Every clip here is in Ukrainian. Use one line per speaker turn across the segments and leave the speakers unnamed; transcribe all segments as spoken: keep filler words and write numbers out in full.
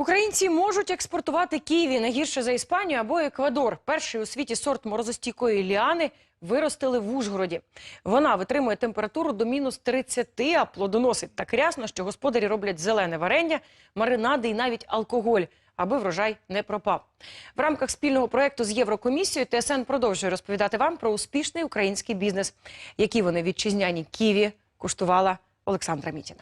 Українці можуть експортувати ківі не гірше за Іспанію або Еквадор. Перший у світі сорт морозостійкої ліани виростили в Ужгороді. Вона витримує температуру до мінус тридцяти, а плодоносить так рясно, що господарі роблять зелене варення, маринади і навіть алкоголь, аби врожай не пропав. В рамках спільного проєкту з Єврокомісією ТСН продовжує розповідати вам про успішний український бізнес. Які вони вітчизняні ківі куштувала Олександра Мітіна.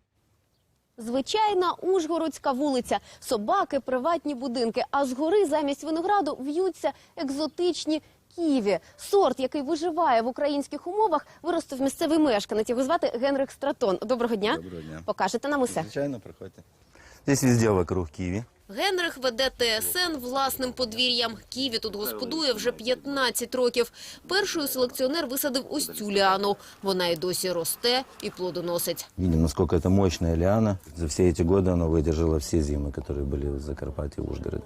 Звичайна ужгородська вулиця, собаки, приватні будинки, а згори замість винограду в'ються екзотичні ківі. Сорт, який виживає в українських умовах, виростив місцевий мешканець. Його звати Генрих Стратон. Доброго дня.
Доброго дня.
Покажете нам усе?
Звичайно, приходьте. Здесь везде вокруг ківі.
Генрих веде ТСН власним подвір'ям. Ківі тут господує вже п'ятнадцять років. Першою селекціонер висадив ось цю ліану. Вона і досі росте і плодоносить.
Видим, насколько это мощная лиана. За все эти годы она выдержала все зимы, которые были в Закарпатье, в Ужгороде.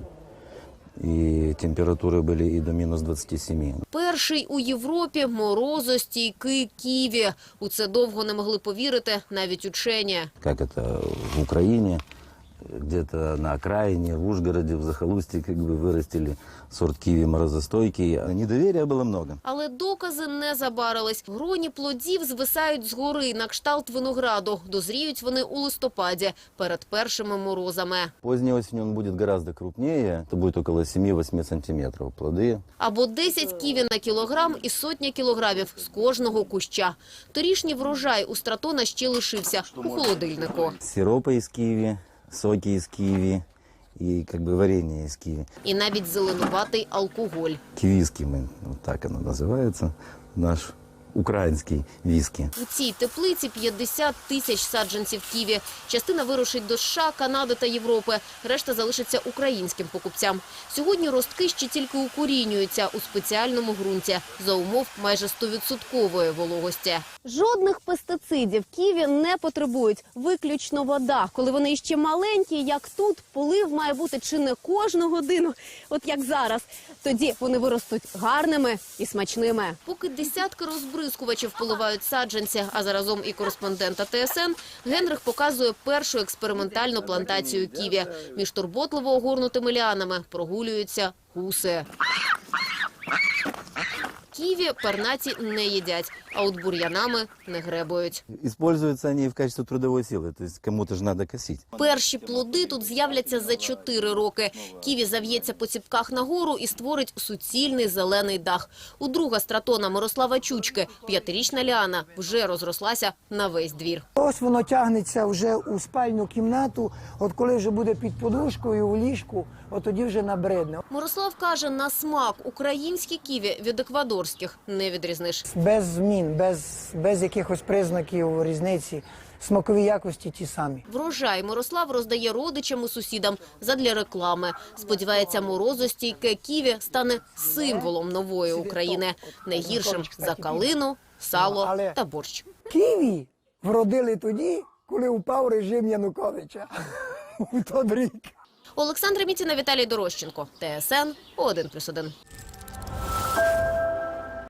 І температури були і до мінус двадцяти семи.
Перший у Європі морозостійкий ківі. У це довго не могли повірити навіть учені.
Як це в Україні, где-то на окраине, в Ужгороде, в захолустье, как бы вырастили сорт киви морозостойкий. Недоверия было много.
Але докази не забарились. Гроні плодів звисають згори на кшталт винограду. Дозріють вони у листопаді, перед першими морозами.
Поздней осенью он будет гораздо крупнее. Это будет около семи-восьми сантиметров плоды.
Або десять ківі на кілограм і сотня кілограмів з кожного куща. Торішній врожай у Стратона ще лишився у холодильнику.
Сиропы из киви, соки из киви и как бы варенье из киви.
І навіть зеленуватий алкоголь.
Кивиски, мы, вот так оно называется, наш український віскі.
У цій теплиці п'ятдесят тисяч саджанців ківі. Частина вирушить до США, Канади та Європи. Решта залишиться українським покупцям. Сьогодні ростки ще тільки укорінюються у спеціальному ґрунті за умов майже стовідсоткової вологості. Жодних пестицидів ківі не потребують. Виключно вода. Коли вони іще маленькі, як тут, полив має бути чи не кожну годину, от як зараз. Тоді вони виростуть гарними і смачними. Поки десятки розбризкувачів поливають саджанці, а заразом і кореспондента ТСН, Генрих показує першу експериментальну плантацію ківі. Між турботливо огорнутими ліанами прогулюються гуси. Ківі пернаті не їдять, а от бур'янами не гребують.
Используются они в качестве трудовой силы, то есть кому-то же надо косить.
Перші плоди тут з'являться за чотири роки. Ківі зав'ється по ціпках нагору і створить суцільний зелений дах. У друга Стратона Мирослава Чучки п'ятирічна ліана вже розрослася на весь двір.
Ось воно тягнеться вже у спальну кімнату, от коли вже буде під подушкою, у ліжку, от тоді вже набридне.
Мирослав каже, на смак українські ківі від еквадорських не відрізниш.
Без змін, без, без якихось признаків різниці, смакові якості ті самі.
Врожай Мирослав роздає родичам і сусідам задля реклами. Сподівається, морозостійке ківі стане символом нової України. Не гіршим за калину, сало та борщ.
Ківі вродили тоді, коли упав режим Януковича у той рік.
Олександра Мітіна, Віталій Дорощенко. ТСН один плюс один.